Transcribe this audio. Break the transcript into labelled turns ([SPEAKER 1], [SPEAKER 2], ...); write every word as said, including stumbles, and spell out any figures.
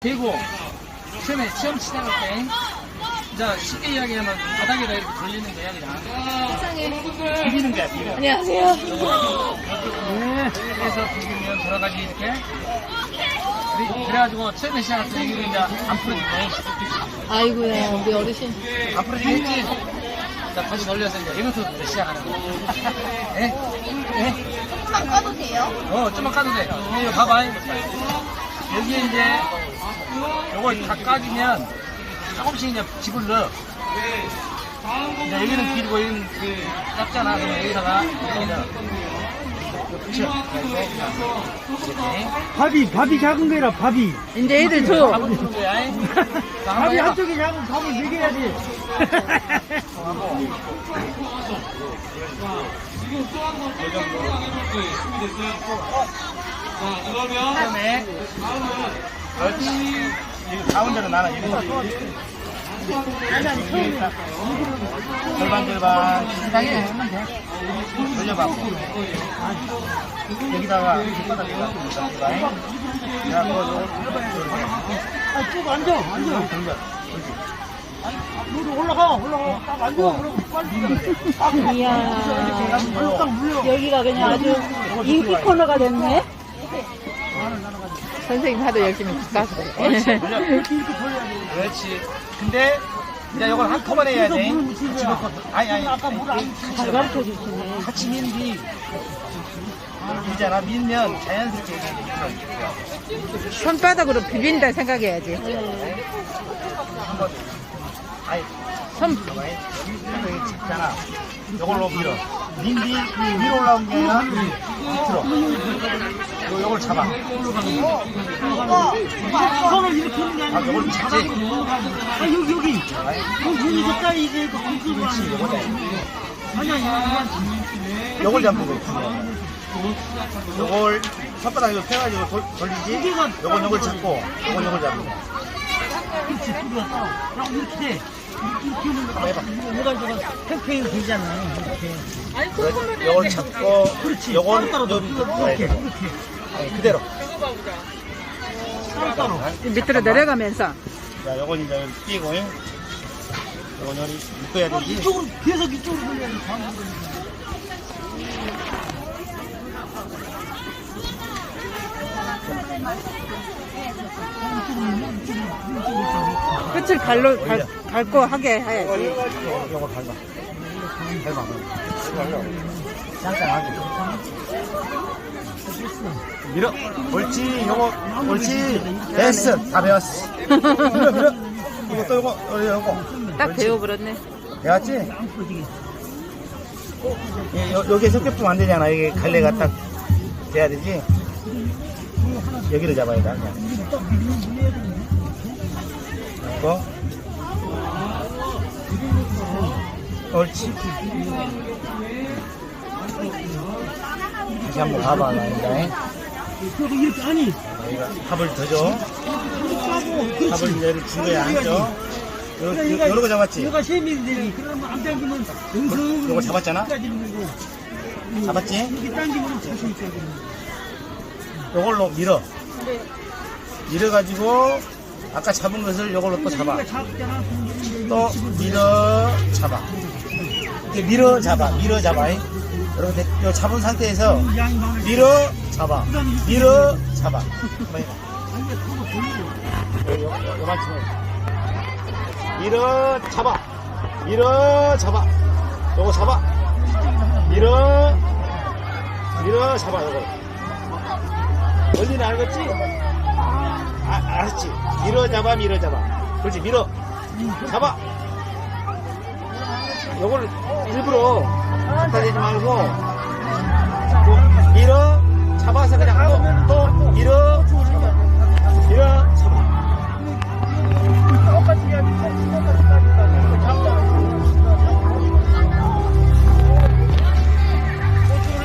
[SPEAKER 1] 대고 처음에 처음 시작할 때 자, 쉽게 이야기하면 바닥에다 이렇게 돌리는 거야 그냥.
[SPEAKER 2] 세상에.
[SPEAKER 1] 비비는 거야 비벼.
[SPEAKER 2] 안녕하세요.
[SPEAKER 1] 네. 그래서 비비면 돌아가지 이렇게. 그래, 그래가지고 처음에 시작할 때 이게 이제 안 풀어지네.
[SPEAKER 2] 아이고야, 우리 어르신.
[SPEAKER 1] 안 풀어지겠지? 자, 다시 돌려서 이제 이것부터 시작하는 거야. 예? 예?
[SPEAKER 3] 좀만 꺼도 돼요?
[SPEAKER 1] 어, 좀만 까도 돼. 이거 봐봐. 여기에 이제 요걸 다 까지면 조금씩 이제 집을 넣어. 이제 여기는 길고 여기는 그 짧잖아. 그러면 여기다가 이렇게 넣어. 그쵸? 이렇게.
[SPEAKER 4] 밥이, 밥이 작은 거라, 밥이.
[SPEAKER 2] 이제 애들 줘.
[SPEAKER 1] 밥을 주는 거야. 자, 한번
[SPEAKER 4] 밥이
[SPEAKER 1] 해봐.
[SPEAKER 4] 한쪽이 작은 밥을 먹여야지.
[SPEAKER 1] 그다음에 그렇지. 여기 가운데로 나눠. 절반 절반 비슷하게 하면 돼. 돌려봐. 여기다가 손바닥에다 돌려봐. 야, 그거
[SPEAKER 4] 아, 쭉 앉아, 앉아.
[SPEAKER 1] 돌려.
[SPEAKER 4] 너도 올라가, 올라가. 딱 앉아, 올라가. 빨리.
[SPEAKER 2] 이야.
[SPEAKER 4] 딱 물려.
[SPEAKER 2] 여기가 그냥 아주 인기 코너가 됐네. 선생님 하도 열심히 까서 그래.
[SPEAKER 4] 이렇게 돌려야 돼.
[SPEAKER 1] 그렇지. 근데 이제 이걸 한꺼번에 해야 돼. 같이 넣고. 아니 아니.
[SPEAKER 4] 아까 물안
[SPEAKER 2] 잘 가르쳐 주시네.
[SPEAKER 1] 같이 미는 뒤 밀잖아. 밀면 자연스럽게 이렇게
[SPEAKER 2] 손바닥으로 비빈다 생각해야지.
[SPEAKER 1] 아니
[SPEAKER 2] 손,
[SPEAKER 1] 여기 짚잖아. 이걸로 밀어. 민 뒤 위로 올라온 게 아니라 밑으로. 요 요걸 잡아.
[SPEAKER 4] 손을 이렇게 하는 게
[SPEAKER 1] 아,
[SPEAKER 4] 아니고.
[SPEAKER 1] 요걸 잡지.
[SPEAKER 4] 아, 여기, 여기. 여기, 여기 가까이 이제 그 굵은 거
[SPEAKER 1] 그렇지. 요거다.
[SPEAKER 4] 아니, 아니, 아니.
[SPEAKER 1] 요걸 잡는 거야. 요걸 손바닥으로 펴가지고 돌, 돌리지. 요건 요걸 잡고 요건 요걸 잡는 거야.
[SPEAKER 4] 그렇지, 들어왔다. 그럼 이렇게 돼. 이렇게 하는 거.
[SPEAKER 1] 한번 해봐.
[SPEAKER 4] 뭐가 저거 팽팽히 되잖아. 이렇게.
[SPEAKER 1] 그래, 요걸 잡고
[SPEAKER 4] 그렇지.
[SPEAKER 1] 요건
[SPEAKER 4] 따로 따로
[SPEAKER 1] 요-
[SPEAKER 4] 이렇게, 이렇게.
[SPEAKER 1] 아니, 그대로.
[SPEAKER 4] 따로 따로.
[SPEAKER 2] 밑으로 내려가면서.
[SPEAKER 1] 자, 요건 이제 여기 끼고, 요건 여기 묶어야
[SPEAKER 4] 어,
[SPEAKER 1] 되지.
[SPEAKER 4] 이쪽으로, 계속 이쪽으로 돌려야지.
[SPEAKER 2] 끝을 갈로, 갈, 갈고 하게 해야지.
[SPEAKER 1] 요거 밟아. 밟아. 짱짱하게. 밀어. 옳지, 요거, 옳지. 됐어. 다 배웠어. 밀어, 밀어. 이거 또 요거, 어, 요거.
[SPEAKER 2] 딱 배워버렸네.
[SPEAKER 1] 배웠지? 예, 요, 여기 석겹좀 안 되잖아. 여기 갈래가 딱 돼야 되지. 여기를 잡아야 돼. 그냥. 이거. 옳지. 다시 한번 가봐. 나인다.
[SPEAKER 4] 그리고 이렇게, 아니.
[SPEAKER 1] 여기가 밥을 더 줘. 밥을 이제 이렇게 준 거야. 안 줘. 요, 요, 요런 거 잡았지?
[SPEAKER 4] 얘가 세밀되니 그러면 안 당기면 은근
[SPEAKER 1] 요거 잡았잖아?
[SPEAKER 4] 거고
[SPEAKER 1] 잡았지?
[SPEAKER 4] 이렇게 당기면 자신 있거든.
[SPEAKER 1] 요걸로 밀어. 밀어가지고 아까 잡은 것을 요걸로 또 잡아.
[SPEAKER 4] 작잖아.
[SPEAKER 1] 또 밀어 잡아. 이렇게 밀어 잡아. 밀어 잡아. 여러분 요 잡은 상태에서
[SPEAKER 4] 양이 많을 때
[SPEAKER 1] 밀어 잡아. 밀어 잡아. 한번 해봐. 요, 요, 요, 요만큼. 밀어 잡아. 밀어 잡아. 요거 잡아. 밀어 밀어 잡아. 요거. 원리는 알겠지? 아, 알았지? 밀어 잡아, 밀어 잡아. 그렇지, 밀어. 잡아. 요걸 일부러 갖다 대지 말고, 또 밀어, 잡아서 그냥 또, 또 밀어,